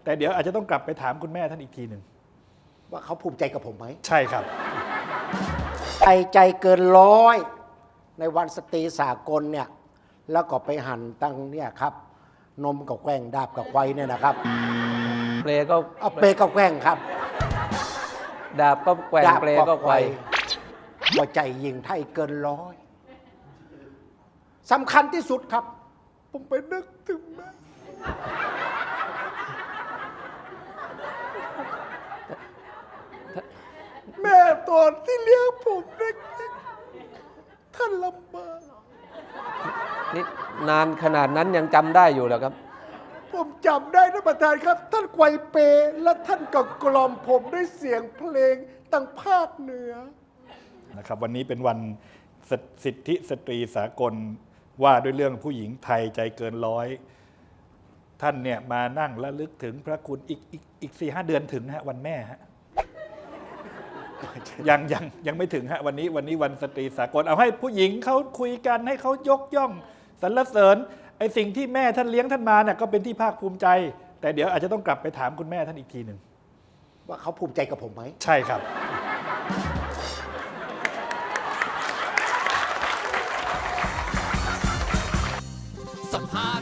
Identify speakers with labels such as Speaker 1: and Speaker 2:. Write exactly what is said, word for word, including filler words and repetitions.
Speaker 1: แต่เดี๋ยวอาจจะต้องกลับไปถามคุณแม่ท่านอีกทีหนึ่ง
Speaker 2: ว่าเขาภูมิใจกับผมไหม
Speaker 1: ใช่ครับ
Speaker 2: ใจใจเกินร้อยในวันสตรีสากลเนี่ยแล้วก็ไปหั่นตั้งเนี่ยครับนมกับแกล้งดาบกับไฟเนี่ยนะครับ
Speaker 3: เปลก็
Speaker 2: เอาเปกับแกล้งครับ
Speaker 3: ดาบก็แกว่งเปลก็ไขว่
Speaker 2: หัวใจยิงไทยเกินร้อยสำคัญที่สุดครับผมไปนึกถึงแม่แม่ตอนที่เลี้ยงผมเด็กๆท่านลำบาก
Speaker 3: นี่นานขนาดนั้นยังจำได้อยู่เหรอครับ
Speaker 2: ผมจำได้นะประธานครับท่านไกวเปและท่านก็กล่อมผมด้วยเสียงเพลงตั้งภาคเหนือ
Speaker 1: นะครับวันนี้เป็นวันสิทธิสตรีสากลว่าด้วยเรื่องผู้หญิงไทยใจเกินร้อยท่านเนี่ยมานั่งระลึกถึงพระคุณอีกอีกอีกสี่ห้าเดือนถึงฮะวันแม่ฮะยังยังยังไม่ถึงฮะวันนี้วันนี้วันสตรีสากลเอาให้ผู้หญิงเขาคุยกันให้เขายกย่องสรรเสริญไอ้สิ่งที่แม่ท่านเลี้ยงท่านมาเนี่ยก็เป็นที่ภาคภูมิใจแต่เดี๋ยวอาจจะต้องกลับไปถามคุณแม่ท่านอีกทีหนึ่ง
Speaker 2: ว่าเขาภูมิใจกับผมไหม
Speaker 1: ใช่ครับ
Speaker 4: สัมภาษณ์